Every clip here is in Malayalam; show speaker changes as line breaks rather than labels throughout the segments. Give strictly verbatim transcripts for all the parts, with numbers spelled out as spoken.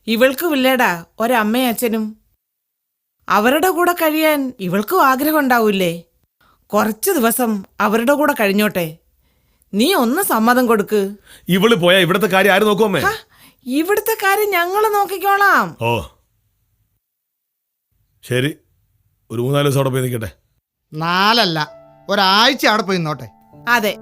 ഇവൾക്കും ഇല്ലേടാ ഒരമ്മയും അച്ഛനും. അവരുടെ കൂടെ കഴിയാൻ ഇവൾക്കും ആഗ്രഹം ഉണ്ടാവൂലേ? കുറച്ചു ദിവസം അവരുടെ കൂടെ കഴിഞ്ഞോട്ടെ. നീ ഒന്ന് സമ്മതം കൊടുക്ക്.
ഇവള് പോയാ ഇവിടത്തെ കാര്യം ആര് നോക്കുമേ?
ഇവിടുത്തെ കാര്യം ഞങ്ങള് നോക്കിക്കോളാം.
ഓ ശരി, ഒരു മൂന്നാല് ദിവസം അവിടെ പോയി നിൽക്കട്ടെ.
നാലല്ല, ഒരാഴ്ച അവിടെ പോയി നിന്നോട്ടെ.
അതെ.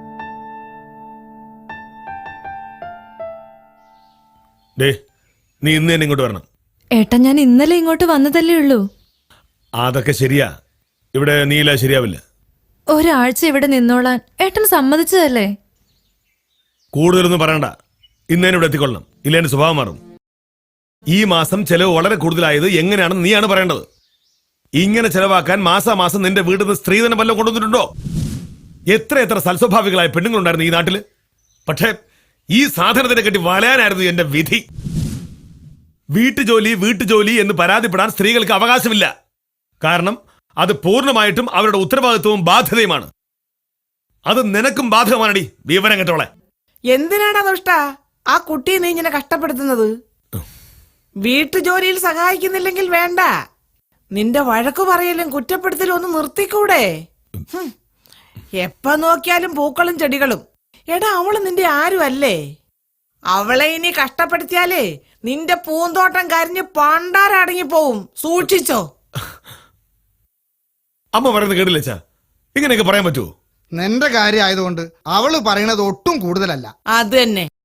ഡേ, നീ ഇന്ന് തന്നെ ഇങ്ങോട്ട് വരണം.
ഏട്ടാ, ഞാൻ ഇന്നലെ ഇങ്ങോട്ട് വന്നതല്ലേ ഉള്ളൂ.
അതൊക്കെ ശരിയാ, ഇവിടെ നീല ശരിയാവില്ല.
ഒരാഴ്ച ഇവിടെ നിന്നോളാൻ ഏട്ടൻ സമ്മതിച്ചതല്ലേ?
കൂടുതലൊന്നും പറയണ്ട, ഇന്നേനെ ഇവിടെ എത്തിക്കൊള്ളണം, ഇല്ല എന്റെ സ്വഭാവം മാറും. ഈ മാസം ചെലവ് വളരെ കൂടുതലായത് എങ്ങനെയാണെന്ന് നീയാണ് പറയേണ്ടത്. ഇങ്ങനെ ചെലവാക്കാൻ മാസാമാസം നിന്റെ വീട്ടിൽ നിന്ന് സ്ത്രീധനം വല്ലതും കൊണ്ടുവന്നിട്ടുണ്ടോ? എത്ര എത്ര സൽസ്വഭാവികളായ പെണ്ണുങ്ങളുണ്ടായിരുന്നു ഈ നാട്ടില്. പക്ഷേ ഈ സാധനത്തിനെ കെട്ടി വലയാനായിരുന്നു എന്റെ വിധി. വീട്ടുജോലി വീട്ടുജോലി എന്ന് പരാതിപ്പെടാൻ സ്ത്രീകൾക്ക് അവകാശമില്ല. കാരണം അത് പൂർണ്ണമായിട്ടും അവരുടെ ഉത്തരവാദിത്വവും ബാധ്യതയുമാണ്. അത് നിനക്കും ബാധകമാണടി, വിവരം കേട്ടോളെ.
എന്തിനാടാ ദുഷ്ട ആ കുട്ടിയെ നീ ഇങ്ങനെ കഷ്ടപ്പെടുത്തുന്നത്? വീട്ടുജോലിയിൽ സഹായിക്കുന്നില്ലെങ്കിൽ വേണ്ട. നിന്റെ വഴക്കു പറയലും കുറ്റപ്പെടുത്തലും ഒന്ന് നിർത്തിക്കൂടെ? എപ്പ നോക്കിയാലും പൂക്കളും ചെടികളും. എടാ, അവള് നിന്റെ ആരും അല്ലേ? അവളെ ഇനി കഷ്ടപ്പെടുത്തിയാലേ നിന്റെ പൂന്തോട്ടം കരിഞ്ഞ് പണ്ടാരടങ്ങി പോവും. സൂക്ഷിച്ചോ.
അമ്മ പറയുന്നത് കേട്ടില്ല, ഇങ്ങനെയൊക്കെ പറയാൻ പറ്റുമോ?
നിന്റെ കാര്യം ആയതുകൊണ്ട് അവള് പറയണത് ഒട്ടും കൂടുതലല്ല.
അത് തന്നെ.